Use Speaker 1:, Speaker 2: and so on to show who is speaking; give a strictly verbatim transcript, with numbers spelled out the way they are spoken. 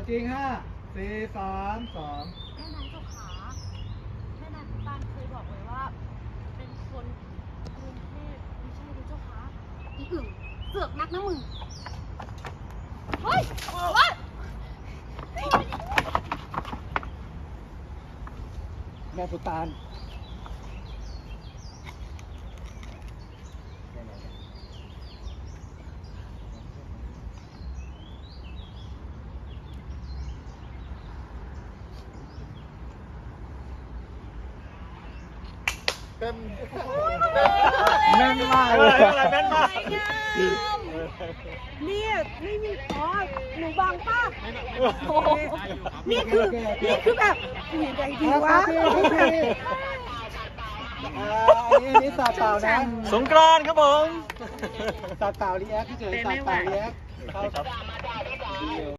Speaker 1: จริงห้าสี่สามสอง
Speaker 2: แม่นายเจ้าขาแม่นายพุตานเคยบอกไว้ว่า เป็นคนกรุงเทพไม่ใช่หรือเจ้าขาอีอึ่งเสือกนักนะมึง เฮ้ยเฮ้ย
Speaker 1: แม่ปุตานเต็มแม่นมากเลยแม่นมาก
Speaker 2: เนี่ยไม่มีอ๋อหนูบางป้าโอ้โหนี่คือ นี่คือแบบยังไงดีวะ
Speaker 1: อันนี้อันนี้สาดเปล่านะ
Speaker 3: สงกรานต์ครับผม
Speaker 1: สาดเปล่ารีแอคเฉยๆสาดเปล่ารีแอค